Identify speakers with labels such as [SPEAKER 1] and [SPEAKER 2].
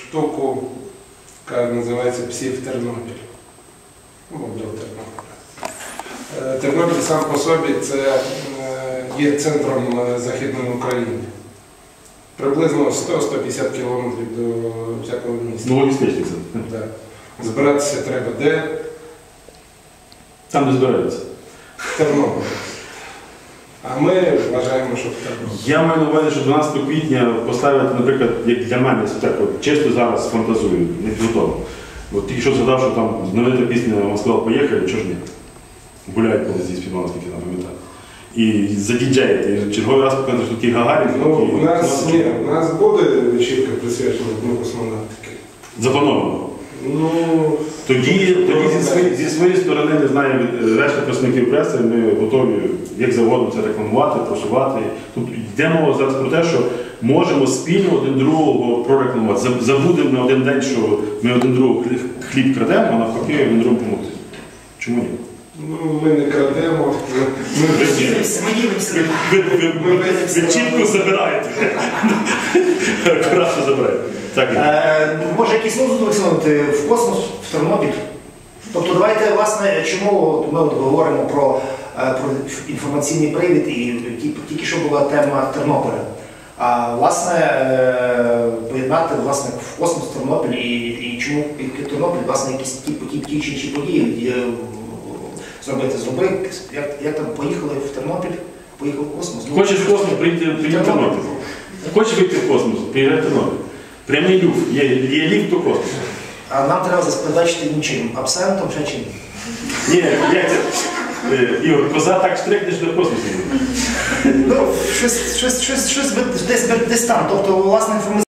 [SPEAKER 1] штуку, яка називається «Псів Тернопіль». Мобіл Тернопіль. Тернопіль сам по собі це є центром Західної України. Приблизно 100-150 кілометрів до всякого міста.
[SPEAKER 2] Ну, логістичний центр.
[SPEAKER 1] Так. Збиратися треба де?
[SPEAKER 2] Там не збираються.
[SPEAKER 1] В Тернополі. А ми вважаємо, що в Тернополі.
[SPEAKER 2] Я маю на увазі, що 12 квітня поставити, наприклад, як для мене, це так, от, чисто зараз фантазую, не підготовлено. От тільки що згадав, що там знаменита пісня «Москва, поїхали», чого ж ні? Гуляють коли зі співали, скільки я пам'ятаю. І задіджеїти, і черговий раз показати, що такий Гагарін.
[SPEAKER 1] Ну, у нас буде вечірка присвячена Дню космонавтики.
[SPEAKER 2] Заплановано.
[SPEAKER 1] Ну,
[SPEAKER 2] Тоді зі своєї сторони, не знаю, решта представників преси, ми готові як завгодно це рекламувати, просувати. Тут йде мова зараз про те, що можемо спільно один другого прорекламувати. Забудемо на один день, що ми один другого хліб крадемо, а навпаки один другому допомогти. Чому ні?
[SPEAKER 1] ну, ми не крадемо.
[SPEAKER 2] Ви чітко забираєте. Акуратно забираєте.
[SPEAKER 3] Може якийсь лозунг висунути в космос, в Тернопіль? Тобто давайте, власне, чому ми говоримо про інформаційний привід і тільки що була тема Тернополя. А власне, поєднати власне, в космос Тернопіль і чому Тернопіль, власне, якісь ті чи інші події зробити. Як там поїхали в Тернопіль, поїхав в космос.
[SPEAKER 2] Хочеш в космос, приїдь в Тернопіль. Хочеш вийти в космос, приїжджай в Тернопіль. Прямий люфт, є ліфт до космосу.
[SPEAKER 3] А нам треба забезпечити нічим, абсентом, ще чим?
[SPEAKER 2] Ні, як це? Ігор, коза так штрикнеш до космосу.
[SPEAKER 3] Ну, щось десь там. Тобто, власне,